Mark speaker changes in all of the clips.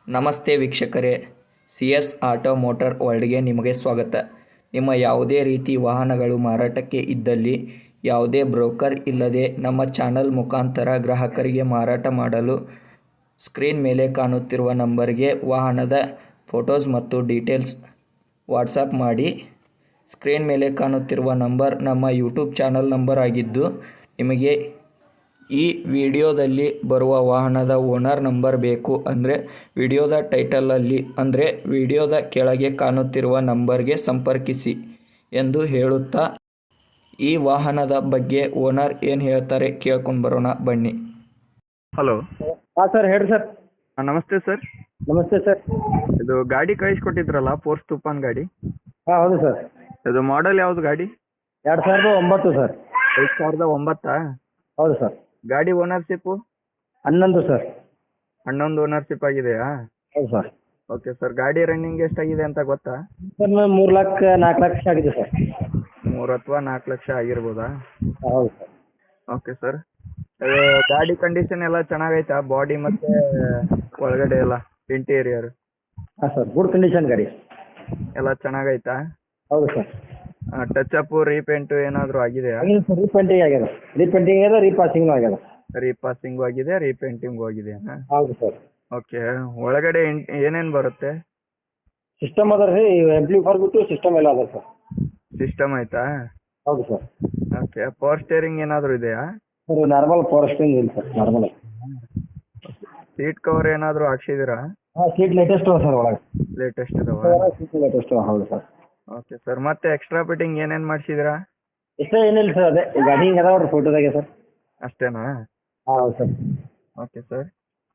Speaker 1: ನಮಸ್ತೆ ವೀಕ್ಷಕರೇ, C S auto motor ವರ್ಲ್ಡ್ಗೆ ನಿಮಗೆ ಸ್ವಾಗತ. ನಿಮ್ಮ ಯಾವುದೇ ರೀತಿ ವಾಹನಗಳು ಮಾರಾಟಕ್ಕೆ ಇದ್ದಲ್ಲಿ ಯಾವುದೇ ಬ್ರೋಕರ್ ಇಲ್ಲದೆ ನಮ್ಮ ಚಾನಲ್ ಮುಖಾಂತರ ಗ್ರಾಹಕರಿಗೆ ಮಾರಾಟ ಮಾಡಲು ಸ್ಕ್ರೀನ್ ಮೇಲೆ ಕಾಣುತ್ತಿರುವ ನಂಬರ್ಗೆ ವಾಹನದ ಫೋಟೋಸ್ ಮತ್ತು ಡೀಟೇಲ್ಸ್ ವಾಟ್ಸಪ್ ಮಾಡಿ. ಸ್ಕ್ರೀನ್ ಮೇಲೆ ಕಾಣುತ್ತಿರುವ ನಂಬರ್ ನಮ್ಮ ಯೂಟ್ಯೂಬ್ ಚಾನಲ್ ನಂಬರ್ ಆಗಿದ್ದು, ನಿಮಗೆ ಈ ವಿಡಿಯೋದಲ್ಲಿ ಬರುವ ವಾಹನದ ಓನರ್ ನಂಬರ್ ಬೇಕು ಅಂದರೆ ವಿಡಿಯೋದ ಟೈಟಲಲ್ಲಿ ಅಂದರೆ ವಿಡಿಯೋದ ಕೆಳಗೆ ಕಾಣುತ್ತಿರುವ ನಂಬರ್ಗೆ ಸಂಪರ್ಕಿಸಿ ಎಂದು ಹೇಳುತ್ತಾ ಈ ವಾಹನದ ಬಗ್ಗೆ ಓನರ್ ಏನು ಹೇಳ್ತಾರೆ ಕೇಳ್ಕೊಂಡು ಬರೋಣ ಬನ್ನಿ.
Speaker 2: ಹಲೋ.
Speaker 3: ಹಾಂ ಸರ್, ಹೇಳಿ ಸರ್.
Speaker 2: ನಮಸ್ತೆ ಸರ್.
Speaker 3: ನಮಸ್ತೆ ಸರ್.
Speaker 2: ಇದು ಗಾಡಿ ಕಳಿಸ್ಕೊಟ್ಟಿದ್ರಲ್ಲ, ಫೋರ್ಸ್ ತೂಫಾನ್ ಗಾಡಿ.
Speaker 3: ಹಾಂ ಹೌದು ಸರ್.
Speaker 2: ಇದು ಮಾಡೆಲ್ ಯಾವುದು ಗಾಡಿ?
Speaker 3: 2009 ಸರ್.
Speaker 2: 2009?
Speaker 3: ಹೌದು ಸರ್.
Speaker 2: ಗಾಡಿ ಓನರ್ಶಿಪ್ಪು?
Speaker 3: 11 ಸರ್.
Speaker 2: 11 ಓನರ್ಶಿಪ್ ಆಗಿದೆಯಾ?
Speaker 3: ಹೌದು ಸರ್.
Speaker 2: Okay sir. ಗಾಡಿ ರನ್ನಿಂಗ್ ಎಷ್ಟಾಗಿದೆ ಅಂತ ಗೊತ್ತಾ?
Speaker 3: ಸರ್ 3 ಲಕ್ಷ 4 ಲಕ್ಷ ಆಗಿದೆ ಸರ್.
Speaker 2: 3 ಅಥವಾ 4 ಲಕ್ಷ ಆಗಿರ್ಬೋದಾ?
Speaker 3: ಹೌದು ಸರ್.
Speaker 2: Okay sir. ಗಾಡಿ ಕಂಡೀಷನ್ ಎಲ್ಲ ಚೆನ್ನಾಗೈತಾ? ಬಾಡಿ ಮತ್ತು ಒಳಗಡೆ ಎಲ್ಲ ಇಂಟೀರಿಯರ್
Speaker 3: ಹಾಂ ಸರ್, ಗುಡ್ ಕಂಡೀಷನ್ ಗಾಡಿ
Speaker 2: ಎಲ್ಲ ಚೆನ್ನಾಗೈತಾ?
Speaker 3: ಹೌದು ಸರ್.
Speaker 2: ಟಚ್ ಅಪ್ ರೀಪೇಂಟು ಏನಾದರೂ ಆಗಿದೆಯಾ?
Speaker 3: ಆಗಿದೆ ಸರ್, ರೀಪೇಂಟಿಂಗ್ ಆಗ್ಯದ. ರೀಪೇಂಟಿಂಗ್ ಆಗ್ಯದ, ರೀಪಾಸಿಂಗ್ ಆಗ್ಯದ.
Speaker 2: ರೀಪಾಸಿಂಗು ಆಗಿದೆ, ರೀಪೇಂಟಿಂಗು ಆಗಿದೆಯಾ?
Speaker 3: ಹೌದು ಸರ್.
Speaker 2: ಓಕೆ. ಒಳಗಡೆ ಏನೇನು ಬರುತ್ತೆ?
Speaker 3: ಸಿಸ್ಟಮ್ ಅದ ರೀ, ಎಂಪ್ಲಿಫೈರ್ ಬಿಟ್ಟು ಸಿಸ್ಟಮ್ ಎಲ್ಲ ಅದ ಸರ್.
Speaker 2: ಸಿಸ್ಟಮ್ ಆಯ್ತಾ?
Speaker 3: ಹೌದು ಸರ್.
Speaker 2: ಓಕೆ. ಪವರ್ ಸ್ಟೇರಿಂಗ್ ಏನಾದರೂ ಇದೆಯಾ?
Speaker 3: ಸರ್ ನಾರ್ಮಲ್ ಪವರ್ ಸ್ಟೇರಿಂಗ್ ಇಲ್ಲ ಸರ್, ನಾರ್ಮಲ್.
Speaker 2: ಸೀಟ್ ಕವರ್ ಏನಾದರೂ ಹಾಕ್ಸಿದ್ದೀರಾ?
Speaker 3: ಹಾಂ, ಸೀಟ್ ಲೇಟೆಸ್ಟ್ ಅವ ಸರ್ ಒಳಗೆ.
Speaker 2: ಲೇಟೆಸ್ಟ್ ಇದಾವ?
Speaker 3: ಸೀಟ್ ಲೇಟೆಸ್ಟ್ ಅವ. ಹೌದು ಸರ್.
Speaker 2: Okay sir. ಮತ್ತೆ ಎಕ್ಸ್ಟ್ರಾ ಫಿಟ್ಟಿಂಗ್ ಏನೇನು ಮಾಡಿಸಿದ್ದೀರಾ?
Speaker 3: ಇಷ್ಟೇ ಏನಿಲ್ಲ ಸರ್, ಅದೇ ಗಾಡಿ ಹಿಂಗೆ ಅದಾವ ಫೋಟೋದಾಗೆ ಸರ್.
Speaker 2: ಅಷ್ಟೇನಾ?
Speaker 3: ಹಾಂ ಹೌದು ಸರ್.
Speaker 2: Okay sir.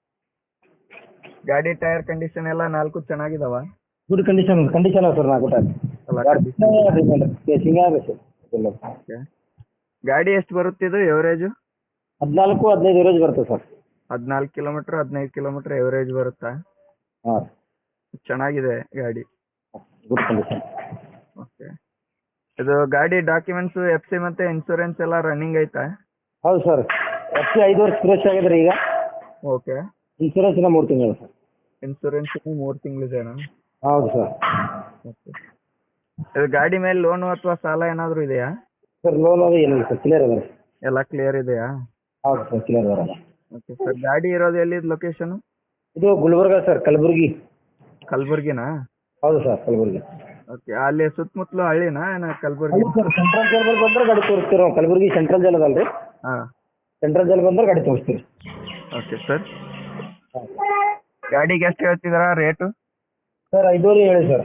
Speaker 2: ಗಾಡಿ ಟೈರ್ ಕಂಡೀಷನ್ ಎಲ್ಲ 4 ಚೆನ್ನಾಗಿದಾವ?
Speaker 3: ಗುಡ್ ಕಂಡೀಷನ್ ಅವ ಸರ್. 4 ಟೈರ್
Speaker 2: ಎಲ್ಲ
Speaker 3: ಕೇಸಿಂಗ್ ಆಗ ಸರ್.
Speaker 2: ಓಕೆ. ಗಾಡಿ ಎಷ್ಟು ಬರುತ್ತಿದ್ದು ಎವರೇಜು?
Speaker 3: 14-15 ಎವರೇಜ್ ಬರುತ್ತೆ ಸರ್.
Speaker 2: 14 ಕಿಲೋಮೀಟ್ರ್ 15 ಕಿಲೋಮೀಟ್ರ್ ಎವರೇಜ್ ಬರುತ್ತಾ?
Speaker 3: ಹಾಂ,
Speaker 2: ಚೆನ್ನಾಗಿದೆ ಗಾಡಿ.
Speaker 3: Good condition.
Speaker 2: ಓಕೆ. ಇದು ಗಾಡಿ ಡಾಕ್ಯುಮೆಂಟ್ಸು FC ಮತ್ತು ಇನ್ಶೂರೆನ್ಸ್ ಎಲ್ಲ ರನ್ನಿಂಗ್ ಐತಾ?
Speaker 3: ಹೌದು ಸರ್. FC 5 ವರ್ಷ ಫ್ರೆಶ್ ಆಗಿದ್ರಿ ಈಗ.
Speaker 2: ಓಕೆ.
Speaker 3: ಇನ್ಶೂರೆನ್ಸ್ ಇನ್ನ 3 ತಿಂಗಳು ಸರ್.
Speaker 2: ಇನ್ಶೂರೆನ್ಸ್ 3 ತಿಂಗಳಿದೆನಾ?
Speaker 3: ಹೌದು ಸರ್.
Speaker 2: ಓಕೆ. ಇದು ಗಾಡಿ ಮೇಲೆ ಲೋನು ಅಥವಾ ಸಾಲ ಏನಾದರೂ ಇದೆಯಾ?
Speaker 3: ಸರ್ ಲೋನ್ ಅದು ಏನಿಲ್ಲ ಸರ್, ಕ್ಲಿಯರ್ ಅದ.
Speaker 2: ಎಲ್ಲ ಕ್ಲಿಯರ್ ಇದೆಯಾ?
Speaker 3: ಹೌದು ಸರ್, ಕ್ಲಿಯರ್ ಅದ.
Speaker 2: Okay sir. ಗಾಡಿ ಇರೋದು ಎಲ್ಲಿದು ಲೊಕೇಶನು?
Speaker 3: ಇದು ಗುಲ್ಬರ್ಗ ಸರ್, ಕಲಬುರ್ಗಿ.
Speaker 2: ಕಲಬುರ್ಗಿನಾ?
Speaker 3: ಹೌದು ಸರ್, ಕಲಬುರ್ಗಿ.
Speaker 2: ಓಕೆ. ಅಲ್ಲಿ ಸುತ್ತಮುತ್ತಲು ಹಳ್ಳಿನಾ ಕಲಬುರ್ಗಿ?
Speaker 3: ಹೌದು ಸರ್, ಸೆಂಟ್ರಲ್ ಜೈಲ್ ಬಂದ್ರೆ ಗಾಡಿ ತೋರಿಸ್ತೀವಿ ನಾವು. ಕಲಬುರ್ಗಿ ಸೆಂಟ್ರಲ್ ಜೈಲ್ ಅದಲ್ರಿ,
Speaker 2: ಹಾಂ.
Speaker 3: ಸೆಂಟ್ರಲ್ ಜೈಲ್ ಬಂದ್ರೆ ಗಾಡಿ ತೋರಿಸ್ತೀವಿ.
Speaker 2: Okay sir. ಗಾಡಿಗೆ ಎಷ್ಟು ಹೇಳ್ತಿದ್ದೀರಾ ರೇಟು?
Speaker 3: ಸರ್ 5 ಹೇಳಿ ಸರ್.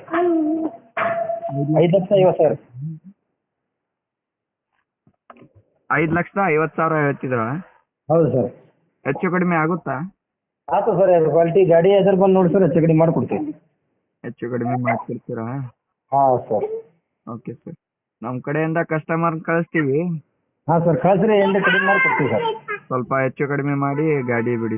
Speaker 3: 5,50,000
Speaker 2: 5,50,000 ಹೇಳ್ತಿದ್ದೀರಾ?
Speaker 3: ಹೌದು ಸರ್.
Speaker 2: ಹೆಚ್ಚು ಕಡಿಮೆ ಆಗುತ್ತಾ?
Speaker 3: ಆಯ್ತು ಸರ್, ಕ್ವಾಲಿಟಿ ಗಾಡಿ ಎದುರು ಬಂದು ನೋಡಿ ಸರ್, ಹೆಚ್ಚು ಕಡಿಮೆ ಮಾಡಿಕೊಡ್ತೀವಿ.
Speaker 2: ಹೆಚ್ಚು ಕಡಿಮೆ ಮಾಡ್ತಿರ್ತೀರಾ?
Speaker 3: ಹಾಂ ಸರ್.
Speaker 2: Okay sir. ನಮ್ಮ ಕಡೆಯಿಂದ ಕಸ್ಟಮರ್ ಕಳಿಸ್ತೀವಿ.
Speaker 3: ಹಾಂ ಸರ್, ಕಳಿಸ್ರಿ, ಏನು ಕಡಿಮೆ ಮಾಡಿಕೊಡ್ತೀವಿ ಸರ್.
Speaker 2: ಸ್ವಲ್ಪ ಹೆಚ್ಚು ಕಡಿಮೆ ಮಾಡಿ ಗಾಡಿ ಬಿಡಿ.